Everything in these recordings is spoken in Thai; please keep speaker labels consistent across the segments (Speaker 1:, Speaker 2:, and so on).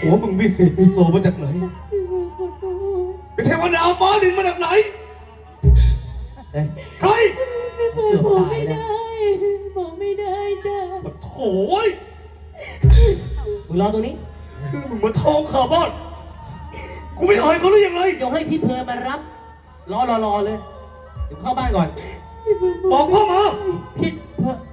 Speaker 1: หัวมึงวิเศษวิโสมาจากไหนเป็นเทวดาฟ้าดินมาจากไหนใคร
Speaker 2: บอกไม่ได้บอกไม่ได้จ้ะ
Speaker 1: โถ่ย
Speaker 2: มึงรอตรงนี้
Speaker 1: มึงมาท้องขาบ้านกูไม่อายเขาหรือยังไง
Speaker 2: เดี๋ยวให้พี่เพลินมารับรอเลยเดี๋ยวเข้าบ้านก่อน
Speaker 1: บอกพ่อมา
Speaker 2: พี่เพลิน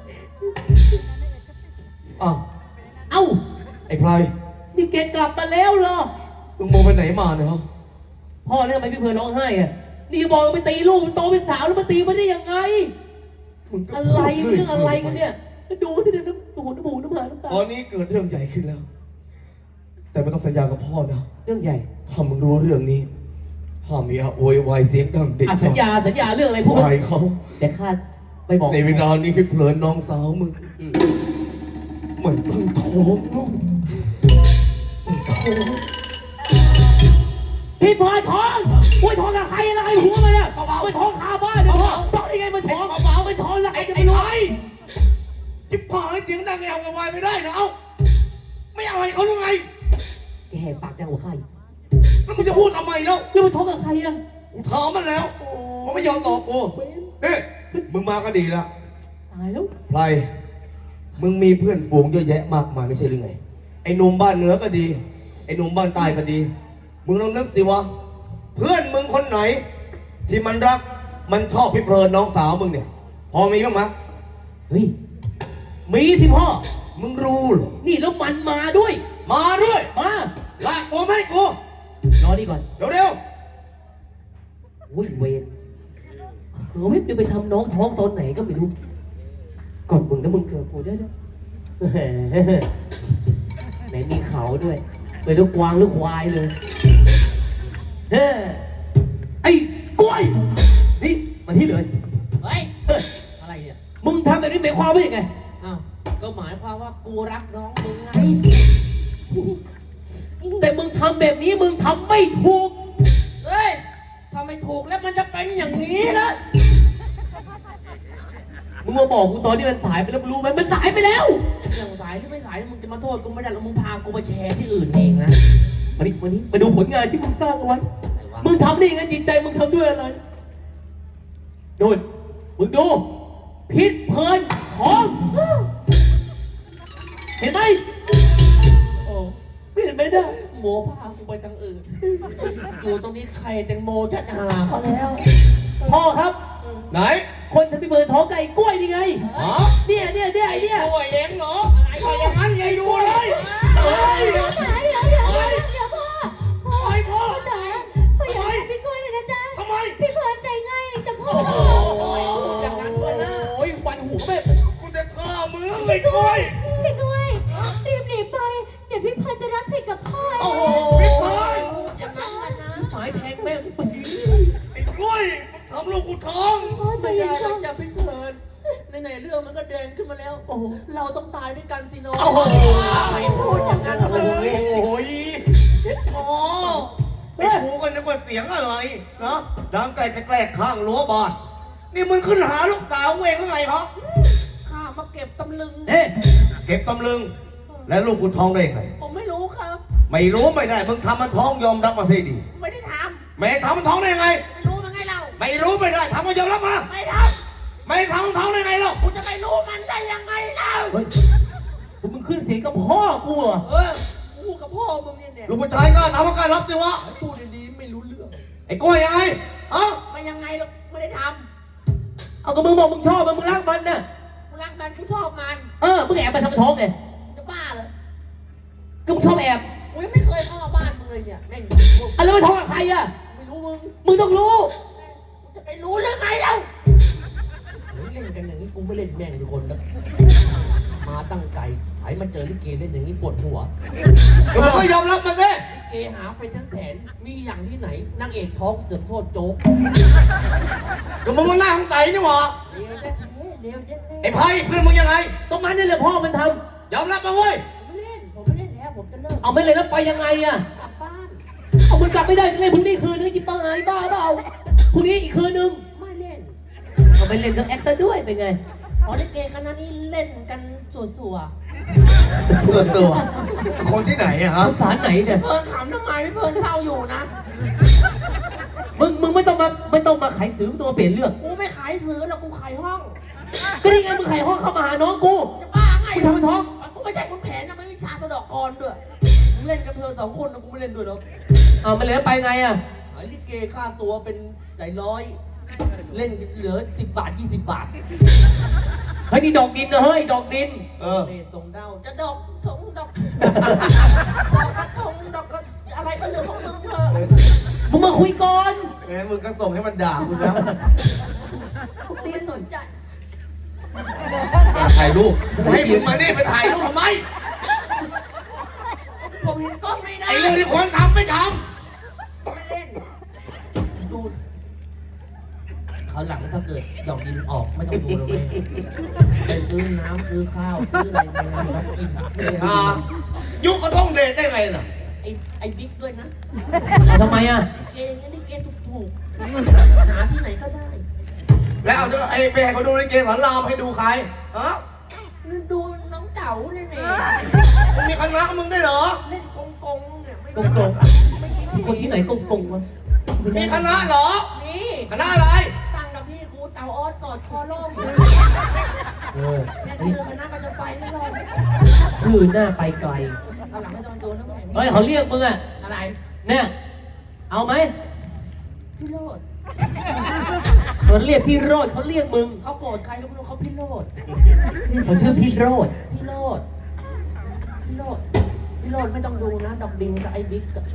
Speaker 2: เอ้า
Speaker 1: ไอ้พลาย
Speaker 2: นี่แกกลับมาแล้วเหรอ
Speaker 1: มึงมองไปไหนมาเนี่ยฮะ
Speaker 2: พ่อเนี่ยทำไมพี่เพลินร้องไห้อ่ะนี่บอกไปตีลูกมันโตเป็นสาวแล้วมาตีมันได้ยังไงอะไรเรื่องอะไรกันเนี่ยดูที่เดี๋ยวน้ำหูน้ำมูกน้ำหาน้ำตา
Speaker 1: ตอนนี้เกิดเรื่องใหญ่ขึ้นแล้วแต่ไม่ต้องสัญญากับพ่อนะ
Speaker 2: เรื่องใหญ่
Speaker 1: ถ้ามึงรู้เรื่องนี้ห้ามมีโวยวายเสียงดังเด็ก
Speaker 2: สัญญาเรื่องอะไรพูด
Speaker 1: ไปเขา
Speaker 2: แต่ข้าไม่บอก
Speaker 1: ในเวลานี้พี่เพลินน้องสาวมึงเหมือนตั้งท้องลูกท้อง
Speaker 2: พี่พลอยท้องโอ้ยท้องกับใครอะไรหัวมันเนี่ยไปท้องคาบ้านเนี่ยพ่อท้องได้ไงมันท้องมันท้องแล้วไอ้
Speaker 1: ไอ้จิ๊บพายเสียงดังแอวกับวายไม่ได้นะเอ้าไม่เอาให้เขาหรือไง
Speaker 2: แกแหกปากดังกว่าใคร
Speaker 1: แล้วมึงจะพูดทำไมแล้ว
Speaker 2: มันท้องกับใครอ่ะ
Speaker 1: กูถามมันแล้วมันไม่ยอมตอบกูเฮ้ยมึงมาก็ดีแล้ว
Speaker 2: ตายแล้ว
Speaker 1: ไพรมึงมีเพื่อนฝูงเยอะแยะมากมายไม่ใช่หรือไงไอ้หนุ่มบ้านเหนือก็ดีไอ้หนุ่มบ้านใต้ก็ดีมึงลองนึกสิวะเพื่อนมึงคนไหนที่มันรักมันชอบพี่เพลินน้องสาวมึงเนี่ยพอมีบ้างไหม
Speaker 2: เฮ้ยมีสิพ่อ
Speaker 1: มึงรู้เหรอ
Speaker 2: นี่แล้วมันมาด้วย
Speaker 1: มาลากตัวไม่กู
Speaker 2: รอดีก่อน
Speaker 1: เร็ว
Speaker 2: วิ่งเวรวิบไปทำน้องท้องตอนไหนก็ไม่รู้ก่อนมึงนะมึงเกิดกูได้ด้วยไหนมีเขาด้วยเป็นลูกกวางลูกควายเลยเฮ้ไอ้กล้วยนี่มาที่เลย
Speaker 3: เฮ้ยอะไรเนี่ย
Speaker 2: มึงทำแบบนี้หมายความว่ายังไง
Speaker 3: อ้าวก็หมายความว่ากูรักน้องมึงไง
Speaker 2: แต่มึงทำแบบนี้มึงทำไม่ถูก
Speaker 3: เฮ้ยทำไม่ถูกแล้วมันจะเป็นอย่างนี้นะ
Speaker 2: มึงมาบอกกูตอนที่มันสายไปแล้วมึงรู้ไหมมันสายไปแล้ว
Speaker 3: เรื่องสายหรือไม่สายมึงจะมาโทษกูไม่ได้แล้วมึงพากูไปแชร์ที่อื่นเองนะ
Speaker 2: วันนี้มาดูผลงานที่มึงสร้างเอาไว้มึงทำได้ยังไงจิตใจมึงทำด้วยอะไรดูมึงดูพิษเพลินของเห็นไหมโอ้ไม่เห็นไหมนะ
Speaker 3: โมพากูไปทางอื่นอยู่ตรงนี้ใครแตงโมจะหาเขาแล้ว
Speaker 2: พ่อครับ
Speaker 1: ไหน
Speaker 2: คนทำพิเบิร์ท้องไก่กล้วยนี่ไงเนี่ยไอ้เนี่ย
Speaker 1: กล้วยเองเหรออะไรก็อย่างนั้นไงดูเลย
Speaker 4: เดี๋ยวพ่อจ๋าพ่ออยากให้พี่กล้วยเลยนะจ๊ะ
Speaker 1: ทำไม
Speaker 4: พี่เพลินใจง่ายจะพ่อ
Speaker 2: อย่างนั้นเลยนะโอ้ยวันหูแม่
Speaker 1: กูจะฆ่ามึงไอ้กล้วย
Speaker 4: รีบหนีไปเดี๋ยวพี่เพลินจะรับผิดกับพ่อ
Speaker 1: โอ้โหพี่เพลิน
Speaker 3: อย่างนั้นนะ
Speaker 2: หมายแทงแม่
Speaker 1: ไอ้กล้วยทำลูกกูท้อง
Speaker 4: พ่อใจเย็น
Speaker 3: อย่าพี่เพลินในเรื่องมันก็เดินขึ้นมาแล้วโอ้เราต้องตายด้วยกันสิโน
Speaker 2: โอ้โห
Speaker 3: ไม่พูดอย่างนั้นเลย
Speaker 1: โอ้ยอ๋อไอ้กูก็นึกว่าเสียงอะไรนะดังแกล้งข้างรั้วบ้านนี่มึงขึ้นหาลูกสาวเองหรือไงครับ
Speaker 3: ข้ามาเก็บตำลึง
Speaker 1: เก็บตำลึงแล้วลูกกูท้องได้ไง
Speaker 3: ผมไม่รู้ครับ
Speaker 1: ไม่รู้ไม่ได้มึงทำมันท้องยอมรับมาสิดี
Speaker 3: ไม่ได้ท
Speaker 1: ำไม่ทำมันท้องได้ไง
Speaker 3: ไม่รู้มันไงเรา
Speaker 1: ไม่รู้ไม่ได้ทำมันยอมรับมา
Speaker 3: ไม่ท
Speaker 1: ำไม่ทำมันท้องได้ไงหรอก
Speaker 3: กูจะไปรู้มันได้ยังไงเล่า
Speaker 2: มึงขึ้นเสียงกับพ่อกูเหรอ
Speaker 3: กูกับพ่อมึงเนี่ย
Speaker 1: ลูกผู้ชายก็ทำว่าการรับสิวะ
Speaker 3: พูดดีๆไม่รู้เรื่อง
Speaker 1: ไอ้กล้วยยังไง
Speaker 3: ไม่ยังไงหรอกไม่ได้ท
Speaker 2: ำเอาก็มึงบอกมึงชอบมึงรักมันน่ะ
Speaker 3: กูรักมันกูชอบมัน
Speaker 2: มึงแอบไปทำท้องไง
Speaker 3: จะบ้าเหรอ
Speaker 2: ก็มึงชอบแอบ
Speaker 3: กูยังไม่เคยเข้ามาบ้านมึงเลยเนี่ยแม่ง
Speaker 2: แล้วไปท้องกับใครอ่ะ
Speaker 3: ไม่รู้
Speaker 2: มึงต้องรู้
Speaker 3: จะไปรู้เรื่องไงเล่าเล่นกันอย่างนี้กูไม่เล่นแม่งทุกคนแล้วมาตั้งใจไอ้มาเจอลิเกเล่นอย่างนี้ปวดหัว
Speaker 1: ก็มึงก็ยอมรับมันสิ
Speaker 3: ลิเกหาไปทั้งแสนมีอย่างที่ไหนนางเอกท้องเสือกโทษโจ๊ก
Speaker 1: ก็มึงมาหน้าสงสัยนี่หว่า
Speaker 3: เดี๋ยว
Speaker 1: ไอ้ไพ่เพื่อนมึงยังไง
Speaker 2: ตรงนั้นนี่แหละพ่อมันท
Speaker 1: ำยอมรับมาเว้ย
Speaker 3: ผมไม่เล่นแล้วผมจะเลิก
Speaker 2: เอาไม่เล่นแล้วไปยังไงอ่ะ
Speaker 3: กลับบ้าน
Speaker 2: เอามันกลับไม่ได้เลยพรุ่งนี้คืนนึงจิบบ้าหายบ้าเปล่าพรุ่งนี้อีกคืนนึง
Speaker 3: ไม่เล่น
Speaker 2: เอาไปเล่นกับแอคเตอร์ด้วยเป็นไง
Speaker 3: ลิเกคณะนี้เล่นกันสัว
Speaker 1: ตัวคนที่ไหนอะฮะ
Speaker 2: ภาษาไหนเนี่ย
Speaker 3: เพิ่นขำทำไมพี่เพิ่นเศร้าอยู่นะ
Speaker 2: มึงไม่ต้องมาขายสื่อไม่ต้องมาเปลี่ยนเรื่อง
Speaker 3: กูไม่ขายซื้อแล้วกูขายห้อง
Speaker 2: ก็นี่ไงมึงขายห้องเข้ามาหาน้องกู
Speaker 3: จะบ้าไง
Speaker 2: กูทำเป็นท้อง
Speaker 3: กูไม่ใช่คุณแผนนะไม่วิชาสะเดอกกรด้วยมึงเล่นกับเธอ2 คนนะกูไม่เล่นด้วยหรอก
Speaker 2: เอามาแล้วไปไงอะ
Speaker 3: ไอ้ลิเกค่าตัวเป็นหลายร้อย เล่นเหลือ10 บาท 20 บาท
Speaker 2: เฮ้ยนี่ดอกดินนะเฮ้ยดอกดิน
Speaker 1: เออ
Speaker 3: เศษส่งดาวจะดอกทงดอกดอกกระทงดอกกระอะไรก็เรื่องของมึงเถอะ
Speaker 2: มึงมาคุยก่อน
Speaker 1: แหมมึงก็ส่งให้มันด่าคุณแล้ว
Speaker 3: ไม่สนใจ
Speaker 1: ถ่ายรูปให้มึงมานี่ไปถ่ายรูปทำไม
Speaker 3: ผมเห็นกล้องไม่ได้
Speaker 1: ไอ้เรื่องที่ควรทำไม่ท
Speaker 3: ไม่เล่น ดูเขาวหลังถ้าเกิดดอกดินออกไม่ต้องดูแล้วแม่ไปซื้อน้ำซื้อข้าวซื้ออะไรไปงานแล้วกิน
Speaker 1: ำยุคก็ต้องเดทได้ไงน่ะ
Speaker 3: ไอ้บิ๊กด้วยนะ
Speaker 2: เอาทำไมอะ
Speaker 3: เกย์อย่างนี้นี่เกย์ถูกๆหาที่ไหนก็ได้
Speaker 1: แล้วเอาไอ้ไปให้เขาดูในเกมสอนรามให้ดูใครฮะ
Speaker 3: ดูน้องเต๋าเนี่ยแหม่
Speaker 1: มึงมีคณะมึงได้เหรอ
Speaker 3: เล่นกงเนี่ยไม่
Speaker 2: กงกง
Speaker 3: ไม่มีชี
Speaker 2: คน
Speaker 3: วิ
Speaker 2: ที่
Speaker 3: ต
Speaker 2: ไหนกงกงวะ
Speaker 1: มีคณะเหรอ
Speaker 3: นี่
Speaker 1: คณะอะไร
Speaker 3: ตั้งกับพี่กูเต๋าออสกอดคอล่ม
Speaker 2: เออ
Speaker 3: แค่ชื่อคณะก็จะไปไม่รอด
Speaker 2: ชื่อหน้าไปไกล
Speaker 3: เอาหลังไม่ต้องโดนนะแม่
Speaker 2: เฮ้ยเขาเรียกมึงอะ
Speaker 3: อะไร
Speaker 2: เนี่ยเอาไหม
Speaker 3: พี่โรด
Speaker 2: เขาเรียกพี่โรดเขาเรียกมึง
Speaker 3: เขาโกรธใครก็ไม่รู้เขาพี่โรด
Speaker 2: เขาชื่อพี่โรด
Speaker 3: พี่โรดพี่โรดพี่โรดไม่ต้องดูนะดอกดินกับไอ้บิ๊กอะ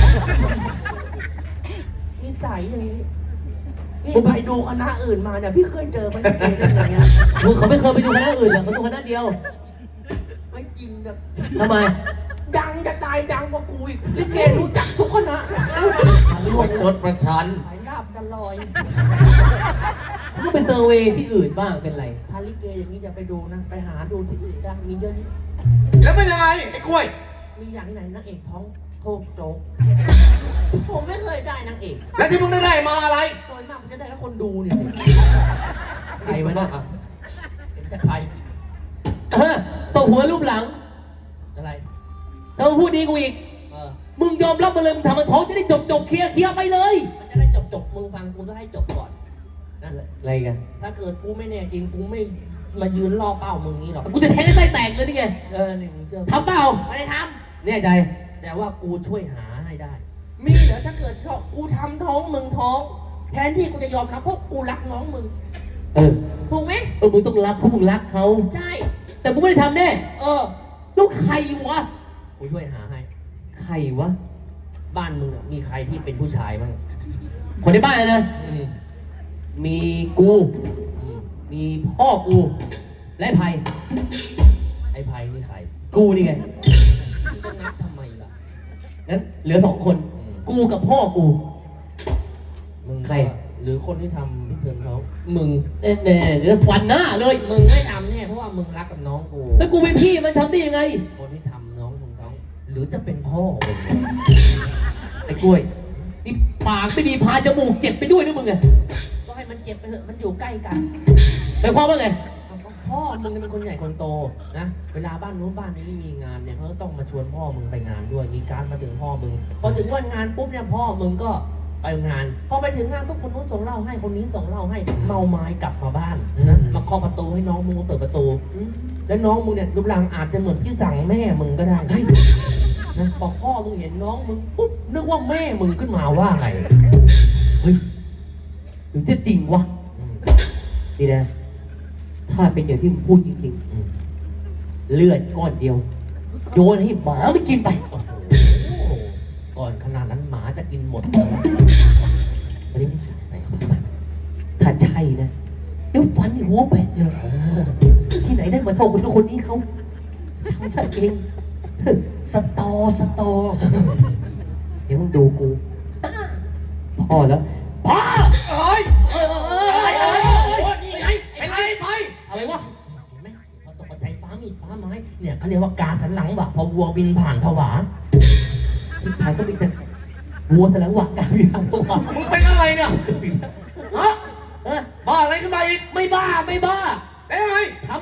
Speaker 3: นิสัยอย่างนี้พี่ไปดูคณะอื่นมาเนี่ยพี่เคยเจอมันเป็นอย่างเงี้ย
Speaker 2: มึงเขาไม่เคยไปดูคณะอื่นหรอกเขาดูคณะเดียว
Speaker 3: ไม่จริงนะ
Speaker 2: ทำไม
Speaker 3: ดังจะตายดังกว่ากูอีกลิเกรู้จักทุกคณะ
Speaker 1: ประชดประชัน
Speaker 3: สายลาบจะลอย
Speaker 2: เขาก็ไปเซอร์เวย์ที่อื่นบ้างเป็นไร
Speaker 3: ถ้าลิเกอย่างนี้จะไปดูนะ ไปหาดูที่อื่นได้มีเยอะแยะ
Speaker 1: แล้วเป็นยังไงไอ้กล้วย
Speaker 3: มีอย่างที่ไหนนางเอกท้องโทกโจ๊กผมไม่เคยได้นางเอก
Speaker 1: แล้วที่มึงได้มาอะไร
Speaker 3: โดยมากมันจะได้แล้วคนดูเนี่ยใครวะ
Speaker 1: บ้า
Speaker 3: เนี่ยจะใคร
Speaker 2: ตบหัวรูปหลัง
Speaker 3: อะไร
Speaker 2: ถ้ามึงพูดดีกูอีก
Speaker 3: เออ
Speaker 2: มึงยอมรับมาเลยมึงทำมันท้องจะได้จบเคลียร์ไปเลย
Speaker 3: มันจะได้จบมึงฟังกูจะให้จบก่อนนั่นแหละ
Speaker 2: อะไรกัน
Speaker 3: ถ้าเกิดกูไม่แน่จริงกูไม่มายืนรอเป้ามึงงี้หรอก
Speaker 2: กูจะแทงให้ไส้แตกเลยนี่ไง
Speaker 3: นี่มึงเชื่อ
Speaker 2: ทำเปล่า
Speaker 3: ไม่ได้ท
Speaker 2: แน่ใจ
Speaker 3: ำแต่ว่ากูช่วยหาให้ได้ มีเหรอถ้าเกิดกูทำท้องมึงท้อง แทนที่กูจะยอมรับเพราะกูรักน้องมึง
Speaker 2: เออ
Speaker 3: ถูกไหม
Speaker 2: มึงต้องรักเพราะมึงรักเขา
Speaker 3: ใช่
Speaker 2: แต่มึงไม่ได้ทำแน่
Speaker 3: เออ
Speaker 2: แล้วใครวะ
Speaker 3: กูช่วยหาให้
Speaker 2: ใครวะ
Speaker 3: บ้านมึงอะมีใครที่เป็นผู้ชายบ้าง
Speaker 2: คนในบ้านนะ
Speaker 3: อืม
Speaker 2: มีกู
Speaker 3: อืม
Speaker 2: มีพ่อกู และไผ่
Speaker 3: ไอ้ไพนี่ใคร
Speaker 2: กูนี่ไง
Speaker 3: มึงจะนับทำไมล่ะ
Speaker 2: งั้นเหลือ2 คน
Speaker 3: อืม
Speaker 2: กูกับพ่อกู
Speaker 3: มึง
Speaker 2: ใคร
Speaker 3: หรือคนที่ทำพิธีท้องมึง
Speaker 2: เน่เดี๋ยวฟันหน้าเลย
Speaker 3: มึงไม่ทำแน่เพราะว่ามึงรักกับน้องกู
Speaker 2: แล้วกูเป็นพี่มันทำได้ยังไง
Speaker 3: คนที่ทำน้องมึงท้อง หรือจะเป็นพ่อมึง
Speaker 2: ไอ้กล้วยนี่ปากไม่ดีพาจมูกเจ็บไปด้วยนะมึงไง
Speaker 3: ก็ให้มันเจ็บไปเถอะมันอยู่ใกล้กัน
Speaker 2: หมายความว่าไง
Speaker 3: เอาก็พ่อมึงเนี่ยเป็นคนใหญ่คนโตนะ เวลาบ้านนู้นบ้านนี้มีงานเนี่ยเขาก็ต้องมาชวนพ่อมึงไปงานด้วย มีการมาถึงพ่อมึง พอถึงวันงานปุ๊บเนี่ยพ่อมึงก็ไปงาน พอไปถึงงานปุ๊บคนนู้นส่งเหล้าให้ คนนี้ส่งเหล้าให้ เมาไม้กลับมาบ้านนะ มาเคาะประตูให้น้องมึงมาเปิดประตู แล้วน้องมึงเนี่ยรูปร่างอาจจะเหมือนที่สั่งแม่มึงก็ได้นะพอพ่อมึงเห็นน้องมึงปุ๊บนึกว่าแม่มึงขึ้นมาว่าไง
Speaker 2: เฮ้ยหรือจะจริงวะ
Speaker 3: อืม
Speaker 2: นี่นะ ถ้าเป็นอย่างที่มึงพูดจริง
Speaker 3: อืม
Speaker 2: ๆ เลือดก้อนเดียว โยนให้หมามันกินไป
Speaker 3: โอ้โหก่อนขนาดนั้นหมาจะกินหมด
Speaker 2: อันนี้ไหนเขาทำไมถ้าใช่นะเดี๋ยวฟันหัวแบะเลยที่ไหนได้มาเท่าคนทุกคนนี้เขาทำซะเองสตอ เดี๋ยวมึงดูกูพ่อแล้วพ่อ
Speaker 1: เอ้ย
Speaker 3: นี่ไง
Speaker 1: เป็นไรไป
Speaker 2: อะไรวะ
Speaker 3: เห็นไหมพอตกใจฟ้ามีดฟ้าไม้เนี่ยเขาเรียกว่ากาสันหลังว่ะพอวัวบินผ่านผวา
Speaker 2: ที่ถ่ายก็มีแต่วัวแสลงหวักกันอยู่ทั้งตัว
Speaker 1: มึงเป็นอะไรเนี่ยฮะ
Speaker 2: เออ
Speaker 1: บ้าอะไรขึ้นมาอีก
Speaker 2: ไม่บ้า
Speaker 1: เป็นไง
Speaker 2: ทำเลย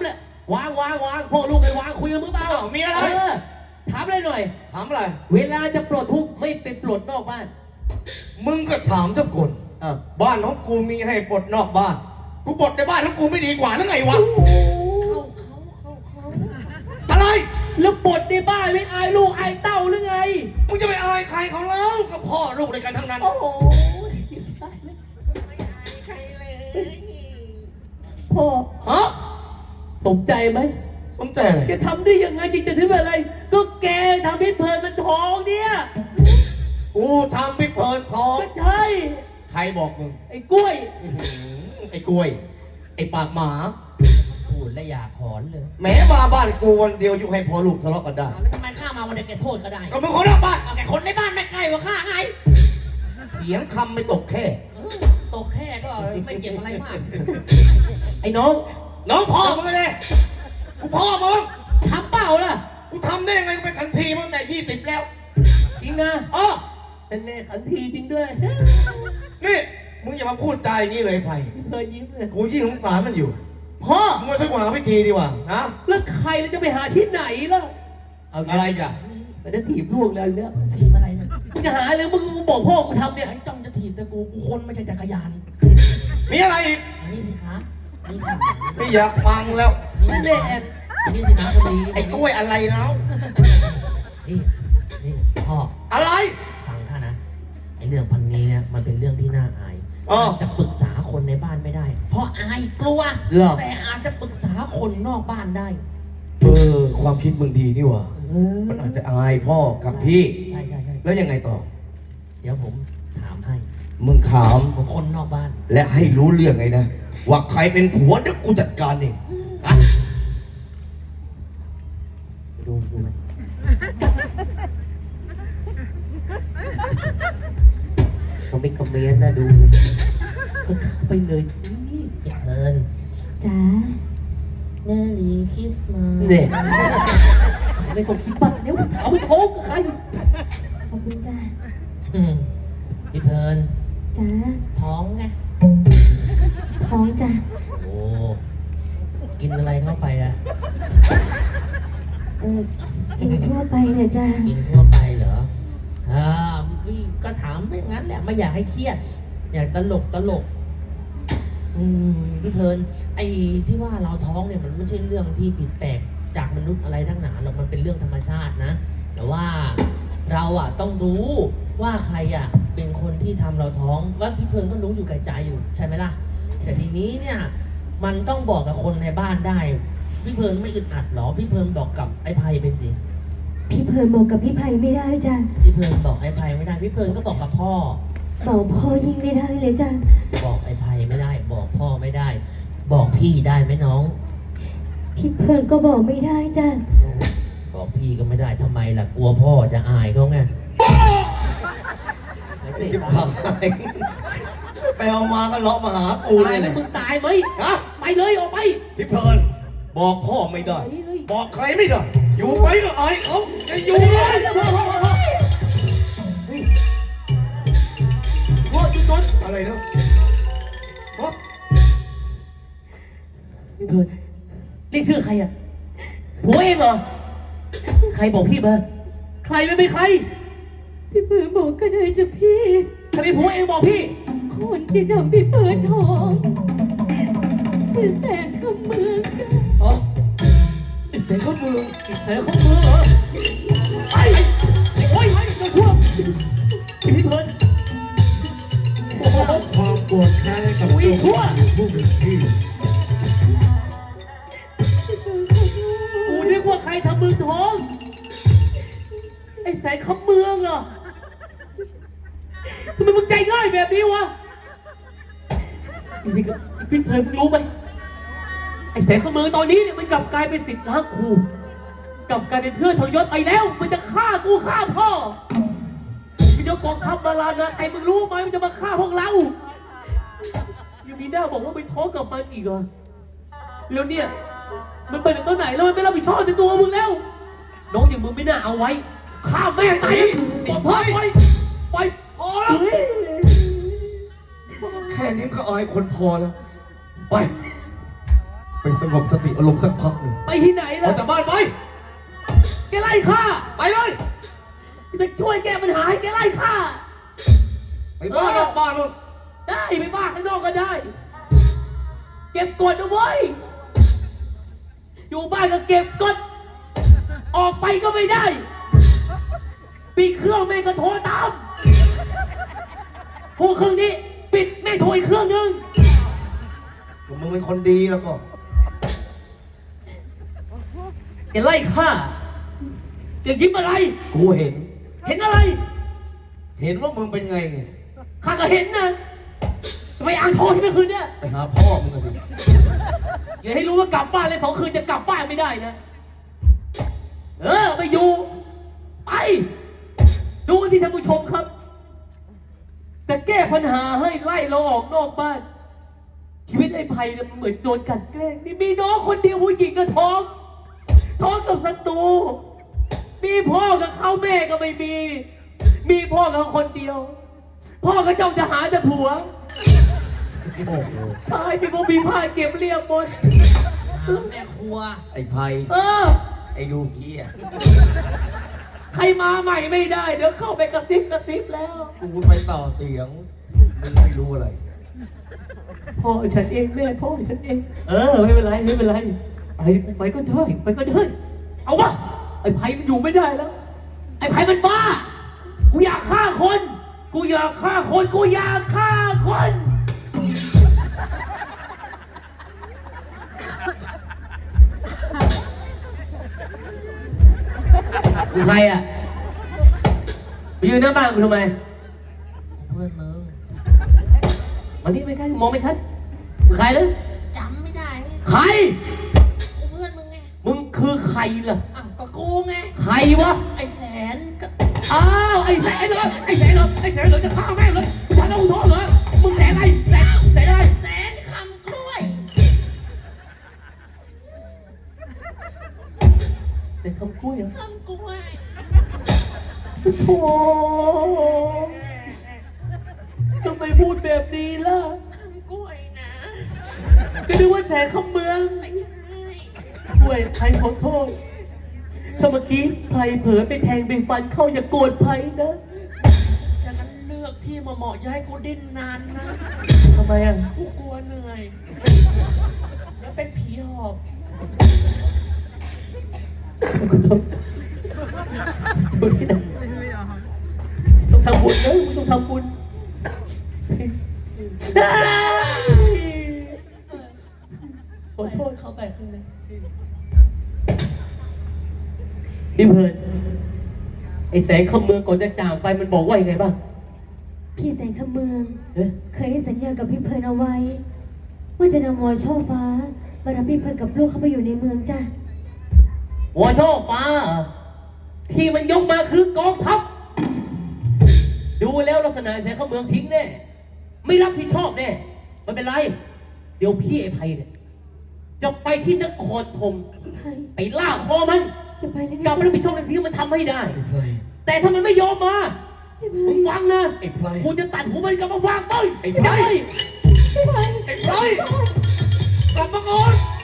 Speaker 2: วางพวกลูกกันวางคุยกันมึงเปล่า
Speaker 1: อ้าวมีอะไร
Speaker 2: ถามอะไรหน่อย
Speaker 1: ถามอะไร
Speaker 2: เวลาจะปลดทุกข์ไม่ไปปลดนอกบ้าน
Speaker 1: มึงก็ถามเจ้าคน บ้านของกูมีให้ปลดนอกบ้าน กูปลดในบ้านของกูไม่ดีกว่าหรือไงวะ อะไร
Speaker 2: แล้วปลดในบ้านไม่อายลูกอายเต้าหรือไง
Speaker 1: มึงจะไปอายใครเขาแล้วกับพ่อลูกในกันทั้งนั้น
Speaker 2: โอ้โหพ่อ
Speaker 1: ฮะ
Speaker 2: สมใจไหม
Speaker 1: สมใจอะไร
Speaker 2: แกทำได้ยังไงจริงจะถึงอะไร ก็แกทำให้เพลินมันท้องเนี่ย
Speaker 1: กูทำให้เพลินท้อง
Speaker 2: ก็ใช่
Speaker 1: ใครบอกมึง
Speaker 2: ไอ้กล้วย
Speaker 1: อื้อหือไอ้กล้วย ไอ้ปากหมา
Speaker 3: พูดและอยากหอนเลย
Speaker 1: แม้มาบ้านกูวันเดียวอยู่ให้พอลูกทะเลาะกันได้
Speaker 3: แล้วทำไมข้ามาวันเดียวแกโทษก็ได้
Speaker 1: ก็มึงคนนอกบ้าน
Speaker 3: เอาแกคนในบ้านไม่ใครวะข้าไง
Speaker 1: เถียงคำไม่ตกแค่
Speaker 3: ตกแค่ก็ไม่เจ็บอะไรมาก
Speaker 2: ไอ้น้อง
Speaker 1: น้องพ่อมึงเลยกูพ่อมึง
Speaker 2: ทำเปล่าล่ะ
Speaker 1: กูทำได้ยังไงเป็นขันทีมาตั้งแต่20แล้ว
Speaker 2: จริงนะ
Speaker 1: อ๋อ
Speaker 2: เป็นเลขันทีจริงด้วย
Speaker 1: นี่มึงอย่ามาพูดใจอย่างนี้เลยไผ่
Speaker 2: เพลินยิ้มเลย
Speaker 1: กูยิ่งสงสารมันอยู่
Speaker 2: พ่อ
Speaker 1: มึงมาช่วยกูหาวิธีดีกว่านะ
Speaker 2: แล้วใครเราจะไปหาที่ไหนล่ะ
Speaker 1: อะไรกัน
Speaker 2: มันจะถีบลูกแล้วเนี่ย
Speaker 3: ทีมอะไรเนี่ย
Speaker 2: มึงจะหาอะไรมึงบอกพ่อกูทำเนี่ย
Speaker 3: ไอ้จ้องจะถีบแต่กูคนไม่ใช่จักรยาน
Speaker 1: มีอะไรอีก
Speaker 3: อันนี้สิคะนี่ค่ะ
Speaker 1: ไม่อยากฟังแล้ว
Speaker 2: นั่นแหละ
Speaker 3: นี่สิคะคนดี
Speaker 1: ไอ้กล้วยอะไรแล้ว
Speaker 3: นี่พ่อ
Speaker 1: อะไร
Speaker 3: ฟังข้านะไอ้เรื่องพันนี้เนี่ยมันเป็นเรื่องที่น่าอาย
Speaker 1: อ๋อ
Speaker 3: จะปรึกษาคนในบ้านไม่ได้ เพราะอายกลัว
Speaker 2: เหรอ
Speaker 3: แต่อาจจะปรึกษาคนนอกบ้านได้
Speaker 1: ความคิดมึงดีนี่หว่า มันอาจจะอายพ่อกับพี่
Speaker 3: ใช่
Speaker 1: แล้วยังไงต่อ
Speaker 3: เดี๋ยวผมถามให้
Speaker 1: มึงถาม
Speaker 3: ผมคนนอกบ้าน
Speaker 1: และให้รู้เรื่องไงนะ ว่าใครเป็นผัวเดี๋ยวกูจัดการเองอะ
Speaker 2: ดูไหมเขาไม่คอมเมนต์นะดูก็เข้าไปเลยนี่
Speaker 3: เอิญ
Speaker 4: จ๋า
Speaker 3: เมรีคริสต์มาส
Speaker 2: เนี่ยไม่ต้องคิดบ้างเดี๋ยวถามไปท้องใคร
Speaker 4: ขอบคุณจ้า
Speaker 3: พี่เพลิน
Speaker 4: จ๋า
Speaker 3: ท้องไง
Speaker 4: ท้องจ้า
Speaker 3: โอ้ กินอะไรเข้าไปอะ
Speaker 4: กินทั่วไปเนี่ยจ้า
Speaker 3: กินทั่วไปเหรอพี่ก็ถามไม่งั้นแหละไม่อยากให้เครียด อยากตลก พี่เพลิน ไอ้ที่ว่าเราท้องเนี่ยมันไม่ใช่เรื่องที่ผิดแปลกจากมนุษย์อะไรทั้งหนาหรอกมันเป็นเรื่องธรรมชาตินะ แต่ว่าเราอะต้องรู้ว่าใครอะเป็นคนที่ทำเราท้องว่าพี่เพลินก็รู้อยู่แก่ใจอยู่ใช่ไหมล่ะ แต่ทีนี้เนี่ยมันต้องบอกกับคนในบ้านได้ พี่เพลินไม่อึดอัดหรอพี่เพลินบอกกับไอ้ไพไปสิ
Speaker 4: พี่เพลินบอกกับพี่ไผ่ไม่ได้จ้า
Speaker 3: พี่เพลินบอกไอ้ไพไม่ได้พี่เพลินก็บอกกับพ่อ
Speaker 4: บอกพ่อยิ่งไม่ได้เลยจ้า
Speaker 3: บอกไอ้ไพไม่ได้ บอกพ่อไม่ได้ บอกพี่ได้ไหมน้อง
Speaker 4: พี่เพลินก็บอกไม่ได้จ้า
Speaker 3: บอกพี่ก็ไม่ได้ทำไมล่ะกลัวพ่อจะอายเขาไง
Speaker 1: จิบหายไปเอามาก็เลาะมาหากูเล
Speaker 2: ตาย
Speaker 1: ย
Speaker 2: ไหม
Speaker 1: เนี่ย
Speaker 2: มึงตายไหม
Speaker 1: ฮะ
Speaker 2: ไปเลยออกไป
Speaker 1: พี่เพลินบอกพ่อไม่ได้ บอกใครไม่ได้ อยู่ไปก็อายเขาจะอยู่เลย
Speaker 2: พ่อจุดนน
Speaker 1: อะไรเนาะฮะ
Speaker 2: เพื่อนเรียกชื่อใครอ่ะผัวเองเหรอ ใครบอกพี่มา ใครไม่เป็นใคร
Speaker 4: พี่เพลินบอกก็ได้จ้ะพี่
Speaker 2: ถ้าเป็นผัวเองบอกพี่
Speaker 4: คนที่ทำพี่เพลินท้องคือแสนคำเมืองจ้า
Speaker 2: อ๋อ
Speaker 1: ไอ้เสียงเขาเมือง
Speaker 2: เสือของมือเหรอไปโอ้ยเจ้าทั่วพี่เพลินโอ้โห
Speaker 5: ความโกรธแค้นให้กับ
Speaker 2: อุ้ย
Speaker 5: เจ้า
Speaker 2: ทั่ว
Speaker 5: ผู้เป็นพี่
Speaker 2: กูนึกว่าใครทำมือท้อง ไอ้แสงคำเมืองเหรอทำไมมึงใจง่ายแบบนี้วะจริงๆพี่เพลินมึงรู้ไหมไอ้แสงคำเมืองตอนนี้เนี่ยมันกลับกลายเป็นสิทธิ์ล้างครูกลับกลายเป็นเพื่อนทรยศไปแล้ว มันจะฆ่ากูฆ่าพ่อมันจะกองทัพมาลานะใครมึงรู้ไหมมันจะมาฆ่าพวกเรายังมีหน้าบอกว่าไปท้องกับมันอีกเหรอแล้วเนี่ย มันไปถึงตัวไหนแล้วมันไม่รับผิดชอบในตัวมึงแล้ว น้องอย่างมึงไม่น่าเอาไว้ฆ่าแม่งตายบอกพ่อไปพอแล้ว
Speaker 1: แค่นี้ก็อายคนพอแล้ว ไปสงบสติอารมณ์สักพักหนึ่ง
Speaker 2: ไปที่ไหน
Speaker 1: ออ
Speaker 2: ล่ะ
Speaker 1: กจากบ้านไป
Speaker 2: แกไล่ข้า
Speaker 1: ไปเลย
Speaker 2: จะช่วยแก้ปัญหาให้แกไล่ข้า
Speaker 1: ไปบ้านนอกบ้านนู่น
Speaker 2: ได้ไปบ้านข้างนอกก็ได้ เก็บกดเอาไว้อยู่บ้านก็เก็บกดออกไปก็ไม่ได้ปิดเครื่องแม่งก็โทรตามพวกเครื่องนี้ปิดแม่งโทรอีกเครื่องนึง
Speaker 1: มึงเป็นคนดีแล้วก็
Speaker 2: แกไล่ข้าแกยิ้มอะไร
Speaker 1: กูเห็น
Speaker 2: เห็นอะไร
Speaker 1: เห็นว่ามึงเป็นไงไง
Speaker 2: ข้าก็เห็นนะทำไมอ่างโทรที่เมื่อคืนเนี่ย
Speaker 1: ไปหาพ่อมึงกันสิ
Speaker 2: อย่าให้รู้ว่ากลับบ้านเลย2 คืนจะกลับบ้านไม่ได้นะไปอยู่ไปดูกันที่ท่านผู้ชมครับจะแก้ปัญหาให้ไล่เราออกนอกบ้าน ชีวิตไอ้ไผ่เนี่ยมันเหมือนโดนกลั่นแกล้งนี่มีน้องคนเดียวผู้หญิงก็ท้องกับศัตรูมีพ่อกับเขาแม่ก็ไม่มีพ่อกับเขาคนเดียว พ่อก็จ้องจะหาแต่ผัว
Speaker 1: โอ้โห
Speaker 2: ตายมีพวกมีผ้าเก็บเรียบหมด
Speaker 3: แม่ครัว
Speaker 1: ไอ้ไพ ไอ้ดูเหี้ย
Speaker 2: ใครมาใหม่ไม่ได้ เดี๋ยวเข้าไปกระซิบแล้ว
Speaker 1: กูไปต่อเสียงมึงไม่รู้อะไร
Speaker 2: พ่อฉันเองแม่พ่อฉันเองไม่เป็นไรไปก็ได้เอาวะไอ้ไผ่มันอยู่ไม่ได้แล้ว ไอ้ไผ่มันบ้ากูอยากฆ่าคนกูอยากฆ่าคน มึงใครอ่ะไปยืนหน้าบ้านกูทำไม
Speaker 3: เพื่อนมึง
Speaker 2: วันนี้ไม่ใกล้มองไม่ชัดมึงใครนะ
Speaker 3: จำไม่ได้ไง
Speaker 2: ใคร
Speaker 3: เพื่อนมึงไง
Speaker 2: มึงคือใครล่ะ
Speaker 3: อ้าวก็กูไง
Speaker 2: ใครวะ
Speaker 3: ไอ้แสนก็
Speaker 2: อ้าวไอ้แสนเหรอจะฆ่าแม่งเลยมึงทำแล้วมึงโทษเหรอมึงแสนอะไรแสนอะไร
Speaker 3: แสนคำกล้วย
Speaker 2: เป็นคำพูดเหรอ
Speaker 3: คำกล้วย
Speaker 2: โธ่ทำไมพูดแบบนี้ล่ะ
Speaker 3: คำกล้วยนะ
Speaker 2: ก็นึกว่าแสนคำเมือง
Speaker 3: ไม่ใช่
Speaker 2: ด้วยไพขอโทษถ้าเมื่อกี้ไพเผลอไปแทงไปฟันเข้าอย่าโกรธไพนะ
Speaker 3: ฉะนั้นเลือกที่เหมาะๆอย่าให้กูดิ้นนานนะ
Speaker 2: ทำไมอ่ะ
Speaker 3: กูกลัวเหนื่อยแล้วเป็นผีหอบ
Speaker 2: ดูที่ไหนต้องทำบุญนะมึงต้องทำบุญขอโทษเขาไปข้างในนี่เพิร์นไอ้แสงคำเมืองก่อนจะจากไปมันบอกว่ายังไงบ้าง
Speaker 4: พี่แสงคำเมือง
Speaker 2: เอ๊ะ
Speaker 4: เคยให้สัญญากับพี่เพลินเอาไว้ ว่าจะนำวอช่อฟ้ามารับพี่เพลินกับลูกเข้าไปอยู่ในเมืองจ้ะ
Speaker 2: วอช่อฟ้า ที่มันยกมาคือกองทัพดูแล้วลักษณะแสงคำเมืองทิ้งแน่ไม่รับผิดชอบแน่ไม่เป็นไร เดี๋ยวพี่ไอ้ไพเนี่ยจะไปที่นครธม
Speaker 4: เฮ้ย
Speaker 2: ไปล่าคอมัน
Speaker 4: อย่าไปเลย
Speaker 2: กลับ
Speaker 4: นะ
Speaker 2: มารับผิดชอบในสิ่งที่มันทำให้ได้
Speaker 1: ไอ้ไพร
Speaker 2: แต่ถ้ามันไม่ยอมมา
Speaker 4: พี่เพลิ
Speaker 2: มึ
Speaker 4: น
Speaker 2: งฟังนะ
Speaker 1: ไอ้ไพร
Speaker 2: กูจะตัดหัวมันกลับมาฟังต้ย
Speaker 1: ไอ้ไพร
Speaker 2: ด้
Speaker 4: พี่เพลิน
Speaker 1: ไอ้ไพรกลับมาก่อน